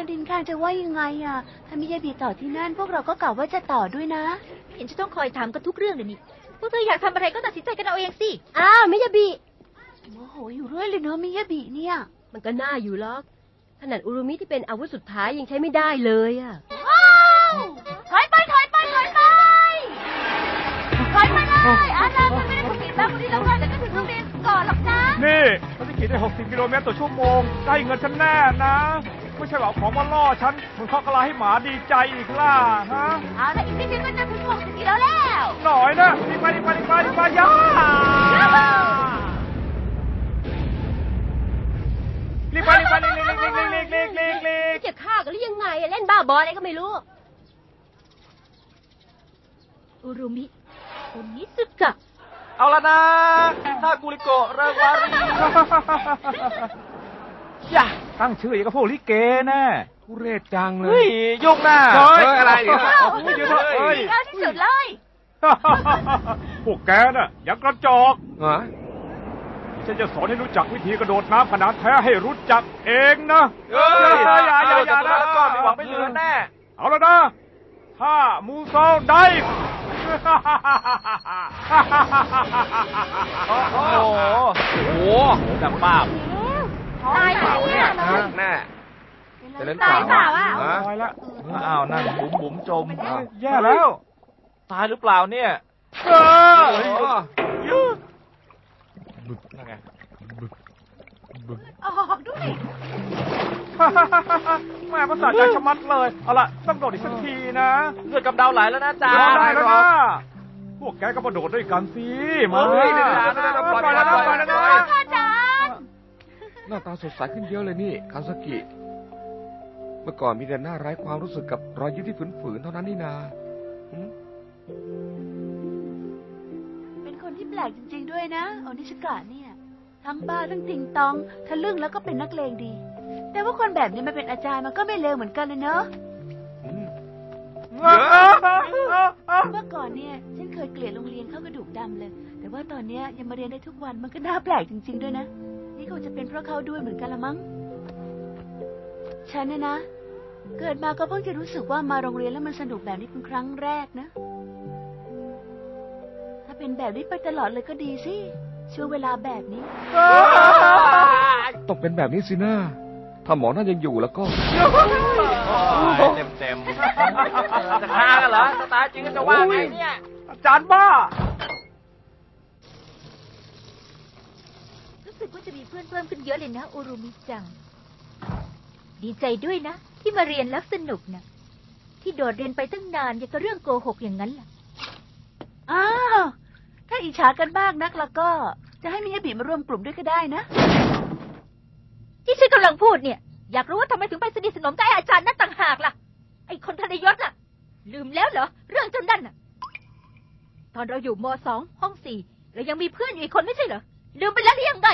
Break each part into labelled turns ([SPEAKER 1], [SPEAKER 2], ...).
[SPEAKER 1] ดินข้างจะว่ายังไงอ่ะถ้ามิยาบิต่อที่นั่นพวกเราก็กล่าวว่าจะต่อด้วยนะ
[SPEAKER 2] เห็นจะต้องคอยถามกันทุกเรื่องเลยนี่พวกเธออยากทำอะไรก็ตัดสินใจกันเอาเองสิ
[SPEAKER 3] อ้าวมิยาบิ
[SPEAKER 1] โมโหอยู่เรื่อยเลยเนาะมิยาบิเนี่ย
[SPEAKER 3] มันก็น่าอยู่หรอกขนาดอุรุมิที่เป็นอาวุธสุดท้ายยังใช้ไม่ได้เลยอ่ะ
[SPEAKER 1] ถอยไปเลยอาจารย์ไม่ได้ผิดแล้วคนที่เราแต่ก็ถึงโรงเรียนก่อนหรอกนะ
[SPEAKER 4] นี่ภารกิจได้60 กิโลเมตรต่อชั่วโมงได้เงินฉันแน่นะไม่ใช่หรอกของมาล่อฉันมันข้อกระลาให้หมาดีใจอีกล่ะฮะ
[SPEAKER 1] เอาละอีกนิดนึงก็จะถึง60 กิโลแล้ว
[SPEAKER 4] หน่อยนะรีบไปย่ารีบไป
[SPEAKER 3] จะฆ่ากันหรือยังไงเล่นบ้าบออะไรก็ไม่รู้
[SPEAKER 2] อุรุมิโอนิสึกะ
[SPEAKER 5] เอาละนะถ้ากุริโกะเริงวารี
[SPEAKER 4] อย่าตั้งชื่ออย่างกับพวกลิเกแน่ทุเรศจังเลย
[SPEAKER 5] ยุ่งหน้า
[SPEAKER 4] อะไร
[SPEAKER 5] เนี่ย
[SPEAKER 1] เอาที่สุดเลย
[SPEAKER 4] พวกแกน่ะยังกระจอกฉันจะสอนให้รู้จักวิธีกระโดดน้ำขนาดแท้ให้รู้จักเองนะ
[SPEAKER 5] อย่านะก็ไม่หวังไม่เหลือแน่
[SPEAKER 4] เอาละนะถ้ามูโซได้
[SPEAKER 5] โอ้โหจับป้า
[SPEAKER 1] ตายแล้วเนี่ย
[SPEAKER 5] แน่
[SPEAKER 1] จะเล่นตายเปล่าอ่ะ
[SPEAKER 4] ตายแล้ว
[SPEAKER 5] อ้าวนั่นบุ๋มจม
[SPEAKER 4] แย่แล้ว
[SPEAKER 5] ตายหรือเปล่าเนี่ยนั่นไง
[SPEAKER 1] ออกด้วย
[SPEAKER 4] แม่ภาษาใจชะมัดเลยเอาล่ะต้องโดดอีกสักทีนะ
[SPEAKER 5] เลือดกำเดาไหลแล้วนะจ๊ะ
[SPEAKER 4] ได้แล้วนะพวกแกก็มาโดดด้วยกันสิมา
[SPEAKER 5] ปล่อยแล้ว
[SPEAKER 1] อาจารย์
[SPEAKER 6] หน้าตาสดใสขึ้นเยอะเลยนี่คันซากิเมื่อก่อนมีแต่หน้าไร้ความรู้สึกกับรอยยิ้มที่ฝืนๆเท่านั้นนี่นา
[SPEAKER 1] เป็นคนที่แปลกจริงๆด้วยนะโอนิชกะเนี่ยทั้งบ้าทั้งติงตองทะลึ่งแล้วก็เป็นนักเลงดีแต่ว่าคนแบบนี้มาเป็นอาจารย์มันก็ไม่เลวเหมือนกันเลยเนอะเมื่อก่อนเนี่ยฉันเคยเกลียดโรงเรียนเข้ากระดูกดำเลยแต่ว่าตอนนี้ยังมาเรียนได้ทุกวันมันก็น่าแปลกจริงๆด้วยนะนี่คงจะเป็นเพราะเขาด้วยเหมือนกันละมั้งฉันนะเกิดมาก็เพิ่งจะรู้สึกว่ามาโรงเรียนแล้วมันสนุกแบบนี้เป็นครั้งแรกนะถ้าเป็นแบบนี้ไปตลอดเลยก็ดีสิช่วงเวลาแบบนี้
[SPEAKER 6] ต้องเป็นแบบนี้สินะถ้าหมอนั่นยังอยู่แล้วก็
[SPEAKER 5] เต็มจะฆ่ากันเหรอตายจริงก็จะว่าไงเนี่ย
[SPEAKER 4] อาจารย์บ้า
[SPEAKER 2] รู้สึกว่าจะมีเพื่อนเพิ่มขึ้นเยอะเลยนะอุรุมิจังดีใจด้วยนะที่มาเรียนแล้วสนุกนะที่โดดเรียนไปตั้งนานยังกับเรื่องโกหกอย่างนั้นล่ะ
[SPEAKER 1] อ้าวถ้าอิจฉากันบ้างนักแล้วก็จะให้มิยาบิมาร่วมกลุ่มด้วยก็ได้นะ
[SPEAKER 2] ที่ฉันกำลังพูดเนี่ยอยากรู้ว่าทำไมถึงไปสนิทสนมกับอาจารย์นั่นต่างหากล่ะไอ้คนทรยศน่ะลืมแล้วเหรอเรื่องจนนั่นน่ะตอนเราอยู่ม.2 ห้อง 4เรายังมีเพื่อนอยู่อีกคนไม่ใช่เหรอลืมไปแล้วหรือยังไง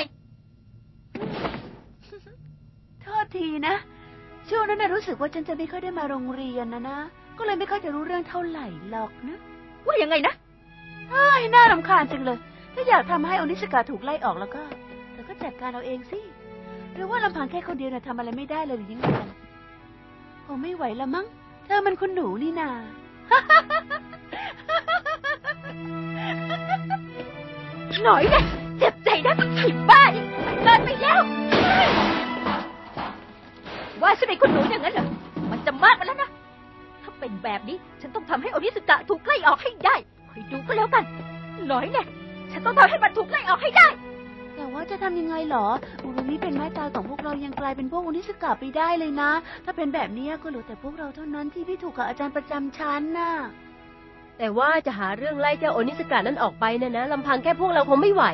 [SPEAKER 1] โทษทีนะช่วงนั้นน่ะรู้สึกว่าฉันจะไม่ค่อยได้มาโรงเรียนนะก็เลยไม่ค่อยจะรู้เรื่องเท่าไหร่หรอกนะ
[SPEAKER 2] ว่ายังไงนะ
[SPEAKER 1] น่ารำคาญจังเลยถ้าอยากทำให้โอนิสกะถูกไล่ออกแล้วก็เธอก็จัดการเอาเองสิหรือว่าลำพังแค่คนเดียวน่ะทำอะไรไม่ได้เลยหรือยังไงคงไม่ไหวละมั้งเธอมันคุณหนูนี่นา
[SPEAKER 2] หน่อยนะเจ็บใจนะผิดบ้านี่เกินไปแล้วว่าฉันเป็นคุณหนูอย่างนั้นเหรอมันจะมากมาแล้วนะถ้าเป็นแบบนี้ฉันต้องทำให้โอนิสกะถูกไล่ออกให้ได้คอยดูก็แล้วกันหน่อยนะฉันต้องทำให้มันถูกไล่ออกให้ได้
[SPEAKER 1] แต่ว่าจะทำยังไงหรออุรุมิเป็นไม้ตายของพวกเรายังกลายเป็นพวกโอนิสกะไปได้เลยนะถ้าเป็นแบบนี้ก็เหลือแต่พวกเราเท่านั้นที่ไม่ถูกกับอาจารย์ประจำชั้นน่ะ
[SPEAKER 3] แต่ว่าจะหาเรื่องไล่เจ้าโอนิสกะนั้นออกไปนะลำพังแค่พวกเราคงไม่ไหว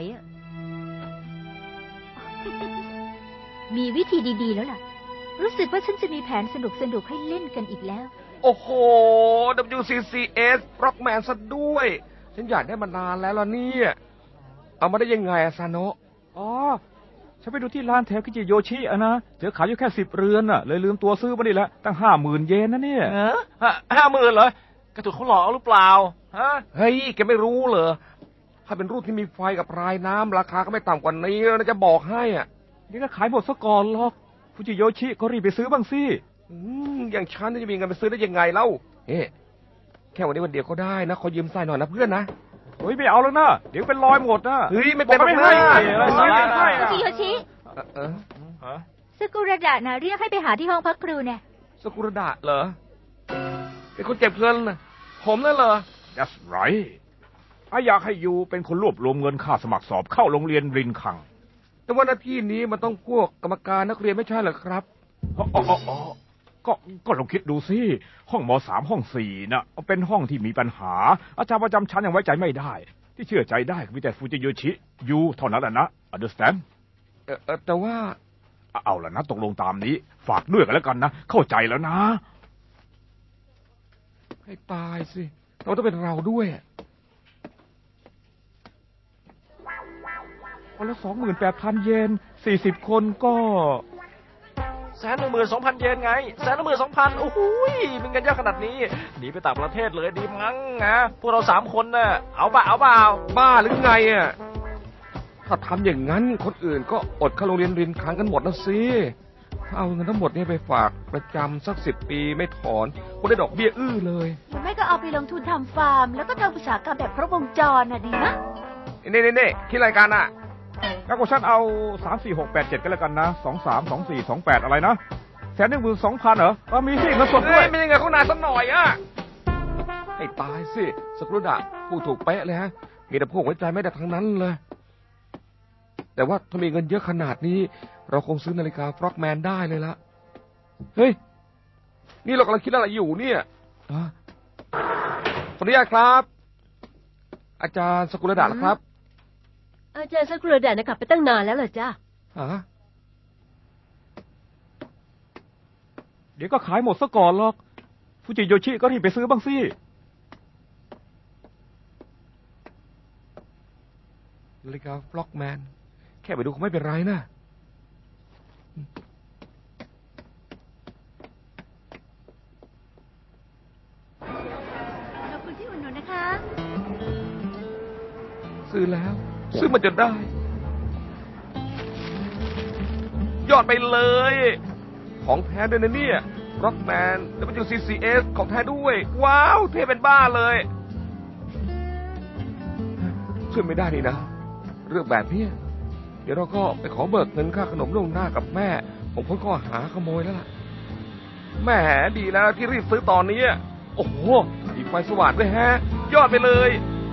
[SPEAKER 2] มีวิธีดีๆแล้วล่ะรู้สึกว่าฉันจะมีแผนสนุกให้เล่นกันอีกแล้ว
[SPEAKER 6] โอ้โห WCCS Rockman ซะด้วยฉันอยากได้มานานแล้วล่ะเนี่ยเอามาได้ยังไงซาโนะ
[SPEAKER 4] อ๋อฉันไปดูที่ร้านแถวคิจิโยชินะเจอขายอยู่แค่10 เรือนเลยลืมตัวซื้อมาดิละตั้ง50,000 เยนนะเนี่ย
[SPEAKER 5] 50,000เหรอกระถูกเขาหลอกหรือเปล่าฮะ
[SPEAKER 6] เฮ้ยแกไม่รู้เหรอถ้าเป็นรูปที่มีไฟกับรายน้ำราคาก็ไม่ต่ำกว่านี้นะจะบอกให้
[SPEAKER 4] นี่ก็ขายหมดซะก่อนหรอกคิจิโยชิก็รีบไปซื้อบ้างสิ
[SPEAKER 6] อย่างฉันจะมีเงินไปซื้อได้ยังไงเล่าแค่วันนี้วันเดียวก็ได้นะขอยืมทรายหน่อยนะเพื่อนนะ
[SPEAKER 4] เฮ้ยไม่เอาแล้วนะเดี๋ยวเป็นรอยหมดนะ
[SPEAKER 6] เฮ้ยไม่เป็น
[SPEAKER 4] บอกไม่ให้
[SPEAKER 2] ฟูจิโยชิ ซึกุระดะนะเรียกให้ไปหาที่ห้องพักครูเนี่ย
[SPEAKER 6] สกุระดะเหรอเป็นคนเก็บเงินนะผมนั่นเหรอ
[SPEAKER 4] That's right อยากให้ยูเป็นคนรวบรวมเงินค่าสมัครสอบเข้าโรงเรียนรินคัง
[SPEAKER 6] แต่ว่าหน้าที่นี้มันต้องพวกกรรมการนักเรียนไม่ใช่เหรอครับ
[SPEAKER 4] ก็ลองคิดดูสิห้องม.3 ห้อง 4น่ะเป็นห้องที่มีปัญหาอาจารย์ประจำชั้นยังไว้ใจไม่ได้ที่เชื่อใจได้มีแต่ฟูจิโยชิยูเท่านั้นแหละนะ understand
[SPEAKER 6] แต่ว่า
[SPEAKER 4] เอาละนะตกลงตามนี้ฝากด้วยกันแล้วกันนะเข้าใจแล้วนะ
[SPEAKER 6] ให้ตายสิเราต้องเป็นเราด้วย
[SPEAKER 4] วันละ 28,000 เยน40 คนก็
[SPEAKER 5] 112,000 เยนไง112,000โอ้โหเป็นกันเยอะขนาดนี้หนีไปต่างประเทศเลยดีมั้งนะพวกเรา3 คนน่ะเอาเปล่า
[SPEAKER 6] บ้าหรือไงอ่ะถ้าทำอย่างนั้นคนอื่นก็อดเข้าโรงเรียนรินคังกันหมดนะสิถ้าเอาเงินทั้งหมดนี้ไปฝากประจำสัก10 ปีไม่ถอนคงได้ดอกเบี้ยเลย
[SPEAKER 1] หรือไม่ก็เอาไปลงทุนทำฟาร์มแล้วก็ทำอุตสาหกรรมแบบครบวงจรน่ะดีนะ
[SPEAKER 6] นี่คิดรายการอ่ะ
[SPEAKER 4] งั้นก็ฉันเอา3 4 6 8 7กันแล้วกันนะ23 24 28อะไรนะ112,000เหรอมีสิเงินสดด้วย
[SPEAKER 6] ไม่ยังไงเขานานสักหน่อยอ่ะให้ตายสิสกุลดะพูดถูกเป๊ะเลยฮะมีแต่พวกไว้ใจไม่ได้ทั้งนั้นเลยแต่ว่าถ้ามีเงินเยอะขนาดนี้เราคงซื้อนาฬิกาฟร็อกแมนได้เลยละเฮ้ยนี่เรากำลังคิดอะไรอยู่เนี่ยขออนุญาตครับอาจารย์สกุลดะครับ
[SPEAKER 3] อาจารย์สกุลดะกลับไปตั้งนานแล้วเหรอจ๊ะ
[SPEAKER 4] เดี๋ยวก็ขายหมดซะก่อนหรอกฟูจิโยชิก็รีบไปซื้อบ้างสิ
[SPEAKER 6] นาฬิกาฟล็อกแมนแค่ไปดูคงไม่เป็นไรนะ
[SPEAKER 1] ขอบคุณที่อุดหนุนนะคะ
[SPEAKER 6] ซื้อแล้วซื้อมาจนได้ยอดไปเลยของแท้ด้วยนะเนี่ยร็อกแมน WCCS ของแท้ด้วยว้าวเท่เป็นบ้าเลยช่วยไม่ได้นี่นะเรื่องแบบนี้เดี๋ยวเราก็ไปขอเบิกเงินค่าขนมล่วงหน้ากับแม่ผมพ้นข้อหาขโมยแล้วล่ะแม่ดีแล้วที่รีบซื้อตอนนี้โอ้โหอีกไฟสว่างด้วยฮะยอดไปเลย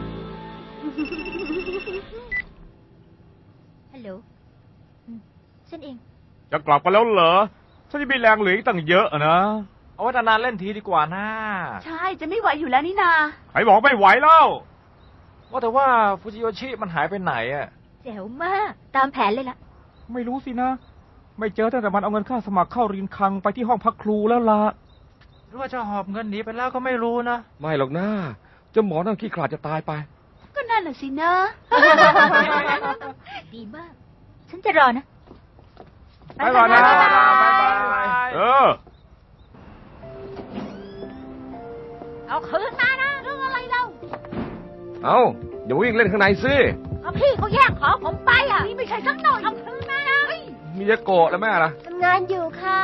[SPEAKER 2] ฮัลโหลฉันเอง
[SPEAKER 4] จะกลับกันแล้วเหรอฉันจะมีแรงเหลืออีกตั้งเยอะนะ
[SPEAKER 5] เอาไว้นานๆเล่นทีดีกว่านะ
[SPEAKER 1] ใช่จะไม่ไหวอยู่แล้วนี่นา
[SPEAKER 4] ใครบอกไม่ไหวแล้ว
[SPEAKER 5] ว่าแต่ว่าฟูจิโยชิมันหายไปไหน
[SPEAKER 2] แจ๋วมากตามแผนเลยล่ะ
[SPEAKER 4] ไม่รู้สินะไม่เจอตั้งแต่มันเอาเงินค่าสมัครเข้ารินคังไปที่ห้องพักครูแล้วล่ะ
[SPEAKER 5] หรือว่าจะหอบเงินหนีไปแล้วก็ไม่รู้นะ
[SPEAKER 6] ไม่หรอกนะเจ้าหมอนั่งขี้ขลาดจะตายไป
[SPEAKER 1] ก็นั่นแหละสินะ
[SPEAKER 2] ดีมากฉันจะรอนะ
[SPEAKER 4] ไปก่อนนะ
[SPEAKER 2] เอาคืนมานะเรื่องอะไรเรา
[SPEAKER 6] เอาอย่าวิ่งเล่นข้างในสิ
[SPEAKER 2] พี่เขาแย่งของผมไปนี่ไม่ใช่สักหน่อยเอาคืนมานะ
[SPEAKER 6] มีจะโกรธแล้วแม่ล่ะ
[SPEAKER 3] ทำงานอยู่ค่ะ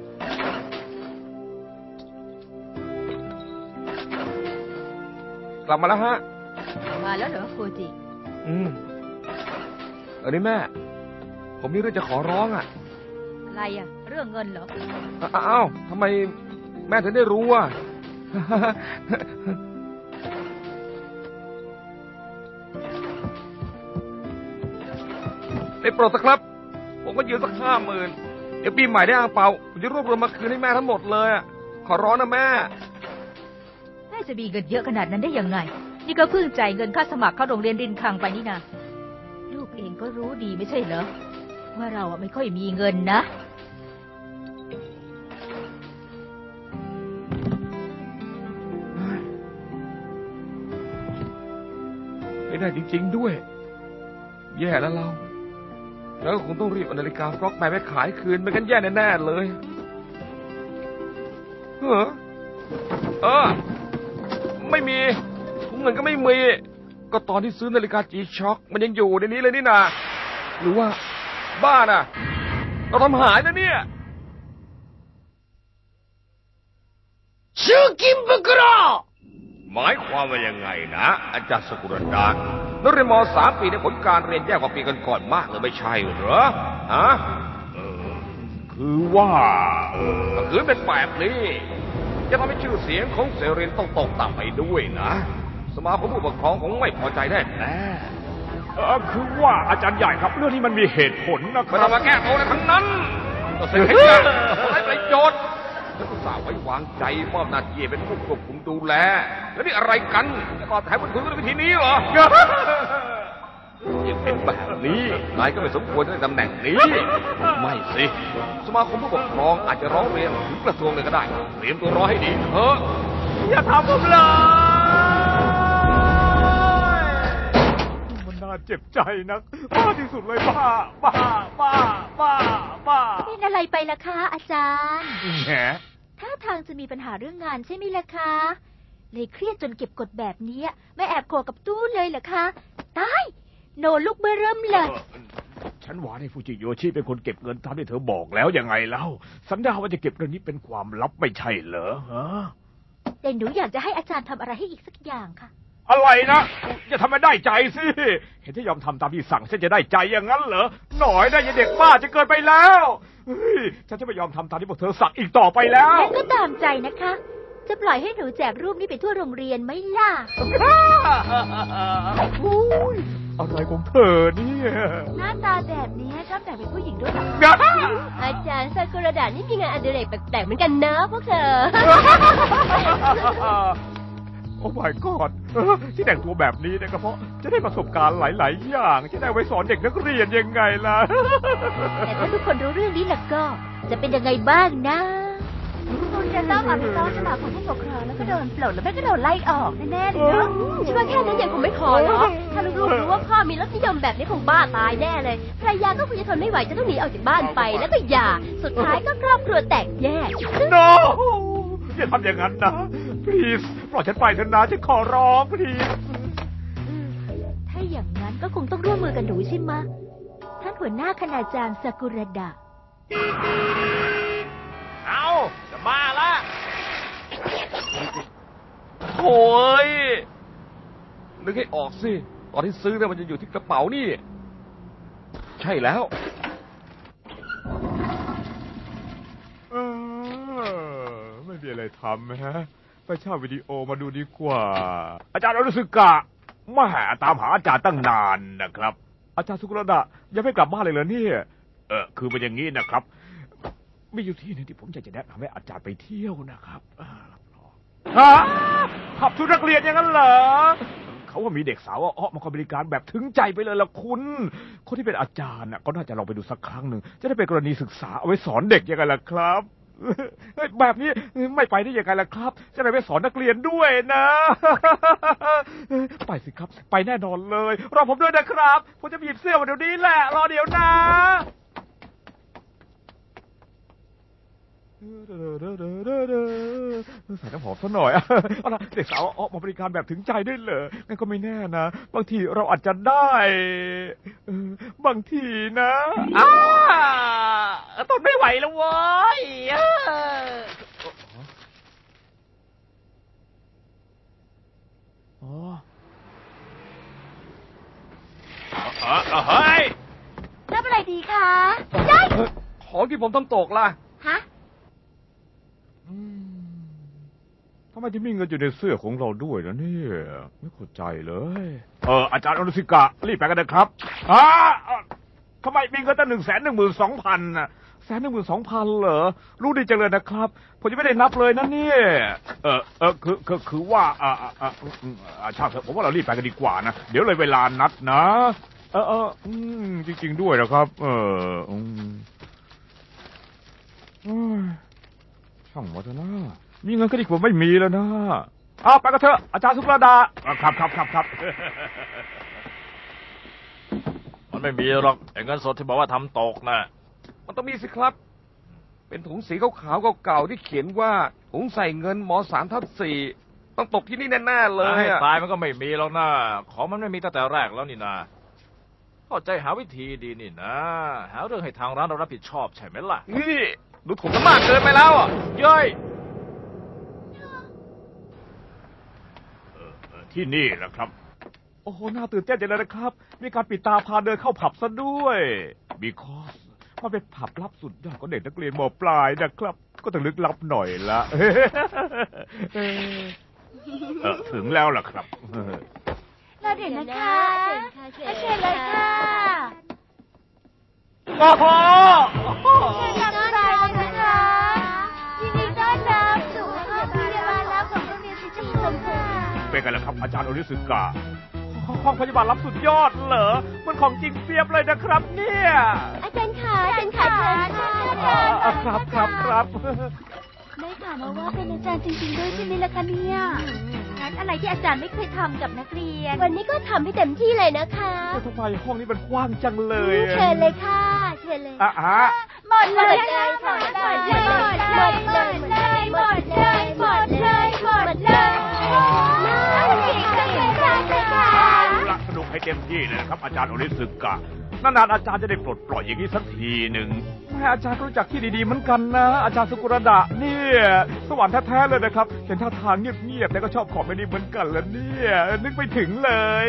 [SPEAKER 6] กลับมาแล้วฮะ
[SPEAKER 2] มาแล้วเหรอฟูจิ
[SPEAKER 6] อันนี้แม่ผมมีเรื่องจะขอร้อง
[SPEAKER 2] อะไรเรื่องเงินเหรอ
[SPEAKER 6] อ้าวทำไมแม่ถึงได้รู้ได้โปรดสักครับผมก็ยืมสัก50,000เดี๋ยวปีใหม่ได้อ่างเปาผมจะรวบรวมมาคืนให้แม่ทั้งหมดเลยขอร้องนะแม่
[SPEAKER 2] จะมีเงินเยอะขนาดนั้นได้ยังไงนี่ก็เพิ่งจ่ายเงินค่าสมัครเข้าโรงเรียนรินคังไปนี่นะลูกเองก็รู้ดีไม่ใช่เหรอว่าเราไม่ค่อยมีเงินนะ
[SPEAKER 6] ไม่ได้จริงๆด้วยแย่แล้วเราแล้วคงต้องรีบเอานาฬิกาฟล็อกแมนไปขายคืนไม่งั้นแย่แน่ๆเลยไม่มีถุงเงินก็ไม่มีก็ตอนที่ซื้อนาฬิกาจีช็อคมันยังอยู่ในนี้เลยนี่นาหรือว่าบ้าน่ะเราทำหายนะเนี่ยชื่อกิมบุกรอหมายความว่ายังไงนะอาจารย์สกุลดานักเรียนม.3 ปีในผลการเรียนแย่กว่าปีก่อนๆมากเลยไม่ใช่เหรอฮะ
[SPEAKER 4] คือว่า
[SPEAKER 6] ถ้าคืนเป็นแบบนี้จะทำให้ชื่อเสียงของเซเรนต้องตกต่ำไปด้วยนะสมาคมผู้ปกครองคงไม่พอใจแน่
[SPEAKER 4] คือว่าอาจารย์ใหญ่ครับเรื่องนี้มันมีเหตุผลนะค
[SPEAKER 6] ไม่
[SPEAKER 4] รับ
[SPEAKER 6] ต้องมาแก้ตัวอะไรทั้งนั้นก็เสียให้กันไร้ประโยชน์ฉันอุตส่าห์ไว้วางใจมอบหน้าที่เป็นผู้ควบคุมดูแลแล้วนี่อะไรกันจะตอบแทนบุญคุณด้วยวิธีนี้เหรอยังเป็นแบบนี้นายก็ไม่สมควรในตำแหน่งนี้ไม่สิสมาคมผู้ปกครองอาจจะร้องเรียนถึงกระทรวงเลยก็ได้เตรียมตัวรอให้ดีเถอะ
[SPEAKER 4] อย่าทำผมเลยมันน่าเจ็บใจนักบ้าที่สุดเลยบ้า
[SPEAKER 2] เป็นอะไรไปล่ะคะอาจารย์
[SPEAKER 4] แหม
[SPEAKER 2] ถ้าทางจะมีปัญหาเรื่องงานใช่ไหมล่ะคะเลยเครียดจนเก็บกดแบบนี้ไม่แอบโกรธกับตู้เลยเหรอคะตายโนลูกเบอร์เริ่มเลย
[SPEAKER 4] ฉันว่าในฟูจิโยชิเป็นคนเก็บเงินตามที่เธอบอกแล้วยังไงเล่าสัญญาว่าจะเก็บเรื่องนี้เป็นความลับไม่ใช่เหรอฮะ
[SPEAKER 2] แต่หนูอยากจะให้อาจารย์ทำอะไรให้อีกสักอย่างค่ะ
[SPEAKER 4] อะไรนะจะทำให้ได้ใจสิเห็นที่ยอมทำตามที่สั่งฉันจะได้ใจอย่างนั้นเหรอหน่อยได้ยังเด็กบ้าจะเกินไปแล้วฉันจะไม่ยอมทำตามที่พวกเธอสั่งอีกต่อไปแล้ว
[SPEAKER 2] งั้นก็ตามใจนะคะจะปล่อยให้หนูแจกรูปนี้ไปทั่วโรงเรียนไหมล่ะ
[SPEAKER 4] อะไรของเธอเนี่ย
[SPEAKER 1] หน้าตาแบบนี้ชอบแต่งเป็นผู้หญิงด้วยหรอ
[SPEAKER 3] อาจารย์ซากุระดานี่มีงานอดิเรกแปลกๆเหมือนกันนะพวกเธอ
[SPEAKER 4] โอ้ my god ที่แต่งตัวแบบนี้เนี่ยก็เพราะจะได้ประสบการณ์หลายๆอย่างจะได้ไว้สอนเด็กนักเรียนยังไงล่ะ
[SPEAKER 2] แต่ถ้าทุกคนรู้เรื่องนี้ล่ะก็จะเป็นยังไงบ้างนะ
[SPEAKER 1] คุณจะต้องเอาไปฟ้องสมาคมผู้ปกครองแล้วก็โดนปลดแล้วไม่ก็โดนไล่ออกแน่ๆเลยเนาะ
[SPEAKER 3] คิดว่าแค่นั้นยังคงไม่พอหรอถ้าลูกๆรู้ว่าพ่อมีรสนิยมแบบนี้คงบ้าตายแน่เลยภรรยาก็คงจะทนไม่ไหวจะต้องหนีออกจากบ้านไปแล้วก็หย่าสุดท้ายก็ครอบครัวแตกแยก
[SPEAKER 4] no อย่าทำอย่างนั้นนะ please ปล่อยฉันไปเถอะนะฉันขอร้อง please
[SPEAKER 2] ถ้าอย่างนั้นก็คงต้องร่วมมือกันหนูใช่ไหมท่านหัวหน้าคณาจารย์ซากุระดะ
[SPEAKER 5] เอาจะมาละโอ้ย
[SPEAKER 6] นึกให้ออกสิตอนที่ซื้อเนี่ยมันจะอยู่ที่กระเป๋านี่ใช่แล้ว
[SPEAKER 4] ไม่มีอะไรทำฮะไปเช่าวิดีโอมาดูดีกว่าอาจารย์อนุสึกะมาหาตามหาอาจารย์ตั้งนานนะครับอาจารย์สุกุระดะยังไม่กลับบ้านเลยเหรอเนี่ยคือเป็นอย่างนี้นะครับมีอยู่ที่นึงที่ผมอยากจะแนะนำให้อาจารย์ไปเที่ยวนะครับขับชุดนักเรียนอย่างนั้นเหรอเขาว่ามีเด็กสาวมาคอยบริการแบบถึงใจไปเลยล่ะคุณคนที่เป็นอาจารย์ก็น่าจะลองไปดูสักครั้งหนึ่งจะได้เป็นกรณีศึกษาเอาไว้สอนเด็กยังไงล่ะครับแบบนี้ไม่ไปได้ยังไงล่ะครับจะได้ไปสอนนักเรียนด้วยนะไปสิครับไปแน่นอนเลยรอผมด้วยนะครับผมจะหยิบเสื้อมาเดี๋ยวนี้แหละรอเดี๋ยวนะใส่น้ำหอมซะหน่อยเอาล่ะเด็กสาวออกมาบริการแบบถึงใจได้เลยงั้นก็ไม่แน่นะบางทีเราอาจจะได้บางทีนะ
[SPEAKER 5] ทนไม่ไหวแล้วเว้ย
[SPEAKER 1] เฮ้ยรับอะไรดีคะได้
[SPEAKER 6] ของที่ผมต้องตกล่ะ
[SPEAKER 1] ฮะ
[SPEAKER 4] ทำไมที่มีเงินอยู่ในเสื้อของเราด้วยนะเนี่ยไม่เข้าใจเลยอาจารย์อนุสิกะรีบไปกันนะครับทำไมมีเงินตั้ง112,000น่ะ112,000เหรอรู้ดีจังเลยนะครับผมยังไม่ได้นับเลยนะเนี่ยคือว่าช่างเถอะผมว่าเรารีบไปกันดีกว่านะเดี๋ยวเลยเวลานัดนะจริงๆด้วยนะครับช่างมาเถอะนะมีเงินก็ดีกว่าไม่มีแล้วนะไปกันเถอะอาจารย์สุภาดาครับ
[SPEAKER 5] มันไม่มีหรอกเงินสดที่บอกว่าทำตกนะ
[SPEAKER 6] มันต้องมีสิครับเป็นถุงสีขาวๆเก่าๆที่เขียนว่าถุงใส่เงินม.3/4ต้องตกที่นี่แน่ๆเลย
[SPEAKER 5] ให้ตายมันก็ไม่มีแล้วนะของมันไม่มีตั้งแต่แรกแล้วนี่นะเข้าใจหาวิธีดีนี่นะหาเรื่องให้ทางร้านเรารับผิดชอบใช่ไหมล่ะ
[SPEAKER 6] นี่ดูถูกกันมากเกินไปแล้วเย้ย
[SPEAKER 4] ที่นี่แหละครับ โอ้โหน่าตื่นเต้นจังเลยนะครับ มีการปิดตาพาเดินเข้าผับซะด้วยbecause มันเป็นผับลับสุดยอดของเด็กนักเรียนม.ปลายนะครับ ก็ต้องลึกลับหน่อยละ ถึงแล้วล่ะครับ
[SPEAKER 1] เราเดี๋ยวนะคะ
[SPEAKER 3] เชิญ
[SPEAKER 1] เชิญเลยค่ะ
[SPEAKER 4] โอ้โห
[SPEAKER 1] เชิญทางซ้ายเลยนะคะยินดีต้อนรับสู่ห้องพยาบาลลับของโรงเรียนสิจิชมค่ะ
[SPEAKER 4] เป็นไงล่ะครับอาจารย์โอนิสึกะห้องพยาบาลรับสุดยอดเหรอมันของจริงเปรียบเลยนะครับเนี่ย
[SPEAKER 3] อาจารย์ขาเชิญค่ะ
[SPEAKER 4] ครับ
[SPEAKER 1] ได้ข่าวมาว่าเป็นอาจารย์จริงๆด้วยใช่ไหมล่ะคะเนี่ย
[SPEAKER 2] งั้นอะไรที่อาจารย์ไม่เคยทำกับนักเรียน
[SPEAKER 3] วันนี้ก็ทำให้เต็มที่เลยนะคะ
[SPEAKER 4] ทำไมห้องนี้มันกว้างจังเลย
[SPEAKER 3] เชิญเลยค่ะเชิญเลย
[SPEAKER 1] หมดเลยค่ะ
[SPEAKER 3] หมดเลยหมดเลยหมดเลยหมดเลยค่ะ
[SPEAKER 4] สนุกให้เต็มที่เลยนะครับอาจารย์โอนิสึกะนานๆอาจารย์จะได้ปลดปล่อยอย่างนี้สักทีหนึ่งแม่อาจารย์รู้จักที่ดีๆเหมือนกันนะอาจารย์สุกุระดะเนี่ยสวรรค์แท้ๆเลยนะครับเห็นท่าทางเงียบๆแต่ก็ชอบของแบบนี้เหมือนกันแล้วเนี่ยนึกไปถึงเลย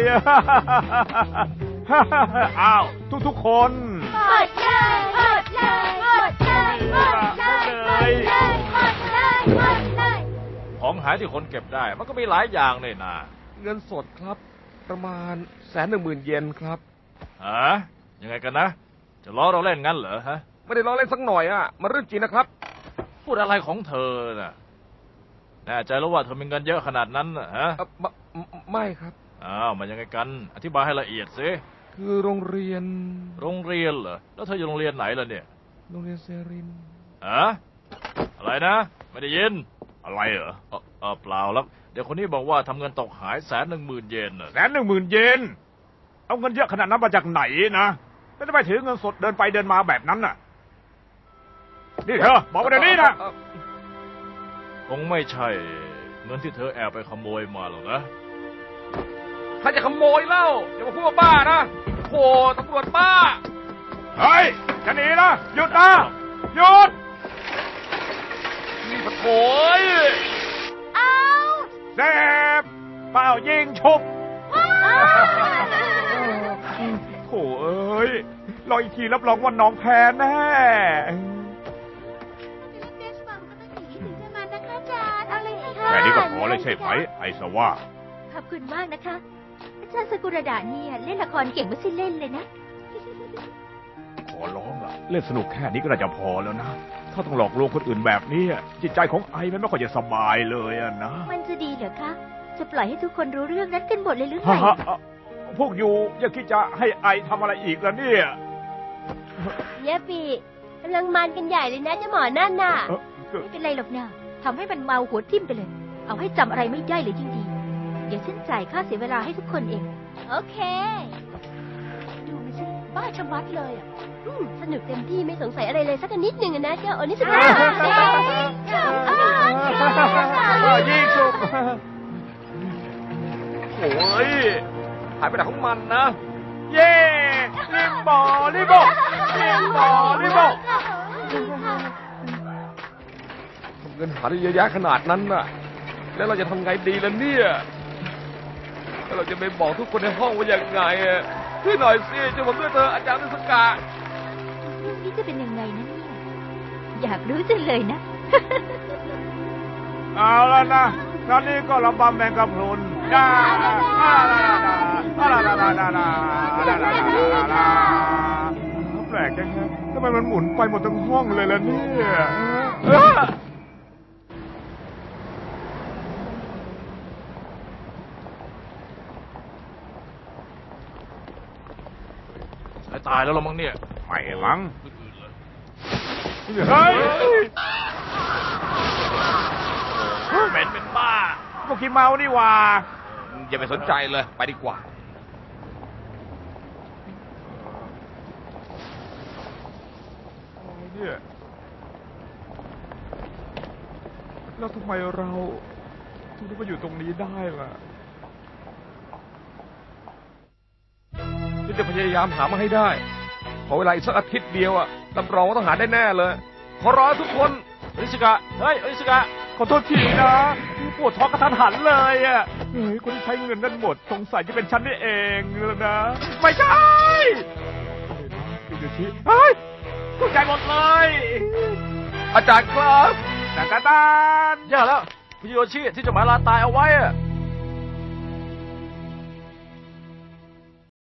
[SPEAKER 4] อ้าวทุกๆคน
[SPEAKER 3] หมดเลยหมดเลยหมดเลยหมดเลยหมดเลยหมดเลย
[SPEAKER 5] ของหายที่คนเก็บได้ มันก็มีหลายอย่างเลยนะ
[SPEAKER 6] เงินสดครับ ประมาณ110,000 เยนครับ
[SPEAKER 5] ฮะยังไงกันนะ จะล้อเราเล่นงั้นเหรอฮะ
[SPEAKER 6] ไม่ได้ล้อเล่นสักหน่อยอะมันเรื่องจริงนะครับ
[SPEAKER 5] พูดอะไรของเธอน่ะแน่ใจแล้วว่าเธอมีเงินเยอะขนาดนั้นน่ะฮะ
[SPEAKER 6] ไม่ครับ
[SPEAKER 5] อ้าวมันยังไงกัน อธิบายให้ละเอียดสิ
[SPEAKER 6] คือโรงเรียน
[SPEAKER 5] โรงเรียนเหรอ แล้วเธออยู่โรงเรียนไหนล่ะเนี่ย
[SPEAKER 6] โรงเรียนเซริน
[SPEAKER 5] ฮะอะไรนะ ไม่ได้ยิน
[SPEAKER 4] อะไรเหรอ
[SPEAKER 5] เปล่าแล้วเดี๋ยวคนนี้บอกว่าทำเงินตกหาย110,000 เยนน่ะ
[SPEAKER 4] 110,000 เยนเอาเงินเยอะขนาดนั้นมาจากไหนนะไม่ได้ไปถือเงินสดเดินไปเดินมาแบบนั้นน่ะนี่เธอบอกมาเดี๋ยวนี้นะ
[SPEAKER 5] คงไม่ใช่เงินที่เธอแอบไปขโมยมาหรอกนะ
[SPEAKER 6] ถ้าจะขโมยเล่าอย่ามาพูดว่าบ้านะโหตำรวจบ้า
[SPEAKER 4] เฮ้ยจะหนีนะหยุดนะหยุด
[SPEAKER 5] นี่ปะโถ่ย
[SPEAKER 4] เซฟเป่ายิงฉุบโถ่เอ้ยรออีกทีรับรองว่าน้องแพ้แน่ แค่นี้ก็พอเลยใช่ไหมไอสว่า
[SPEAKER 2] ขอบคุณมากนะคะ อาจารย์สกุระดาเนี่ยเล่นละครเก่งไม่ใช่เล่นเลยนะ
[SPEAKER 4] ขอร้องล่ะเล่นสนุกแค่นี้ก็น่าจะพอแล้วนะ ถ้าต้องหลอกลวงคนอื่นแบบนี้จิตใจของไอมันไม่ค่อยจะสบายเลยอะนะ
[SPEAKER 2] มันจะดีเหรอคะ จะปล่อยให้ทุกคนรู้เรื่องนั้นกันหมดเลยหรือไง
[SPEAKER 4] ฮะพวกอยู่อย่าคิดจะให้ไอทำอะไรอีกแล้วเนี่ย
[SPEAKER 3] เยปีกำลังมันกันใหญ่เลยนะเจ้าหมอนั่นน่ะ
[SPEAKER 2] ไม่เป็นไรหรอกนะทำให้มันเมาหัวทิ่มไปเลย เอาให้จำอะไรไม่ได้เลยยิ่งดี เดี๋ยวฉันจ่ายค่าเสียเวลาให้ทุกคนเอง
[SPEAKER 3] โอเค
[SPEAKER 1] ดูมันสิบ้าชะมัดเลยอ่ะ
[SPEAKER 3] สนุกเต็มที่ไม่สงสัยอะไรเลยสักนิดหนึ่งนะเจ้าโอนิสกะ
[SPEAKER 4] ยิงฉุบ
[SPEAKER 6] โอ้ยหายไปไหนของมันนะ
[SPEAKER 4] เย่ลิมบอลิโบลิมบอลิโบ
[SPEAKER 6] เงินหาได้เยอะแยะขนาดนั้นน่ะ แล้วเราจะทำไงดีล่ะเนี่ยแล้วเราจะไปบอกทุกคนในห้องว่าอย่างไงช่วยหน่อยสิช่วยผมด้วยเถอะอาจารย์นิสกะ
[SPEAKER 2] เรื่องนี้จะเป็นยังไงนะเนี่ย อยากรู้จังเลยนะ
[SPEAKER 4] เอาแล้วนะตอนนี้ก็ระบำแมงกะพรุนดาแปลกจังฮะทำไมมันหมุนไปหมดทั้งห้องเลยล่ะเนี่ย
[SPEAKER 5] ตายแล้วเรามั้งเนี่ย
[SPEAKER 4] ไม่มั้ง
[SPEAKER 5] อื่นๆเลย
[SPEAKER 4] เฮ้ย
[SPEAKER 5] เป็นบ้า
[SPEAKER 4] พวกขี้เมานี่หว่า
[SPEAKER 6] อย่าไปสนใจเลยไปดีกว่า
[SPEAKER 4] เนี่ยแล้วทำไมเราถึงได้มาอยู่ตรงนี้ได้ล่ะ
[SPEAKER 6] ฉันจะพยายามหามาให้ได้ ขอเวลาอีกสักอาทิตย์เดียวรับรองว่าต้องหาได้แน่เลย ขอร้องทุกคน
[SPEAKER 5] อนิสกะ เฮ้ยอนิสกะ
[SPEAKER 4] ขอโทษทีนะปวดท้องกระทันหันเลยอ่ะเฮ้ยคนที่ใช้เงินนั้นหมดสงสัยจะเป็นฉันนี่เองแล้วนะไม่ใช่พี่โยชิเฮ้ยเข้าใจหมดเลย
[SPEAKER 6] อาจารย์ครับ
[SPEAKER 4] แต่ตา
[SPEAKER 5] แย่แล้วพี่โยชิที่จะหมายลาตายเอาไว้อะ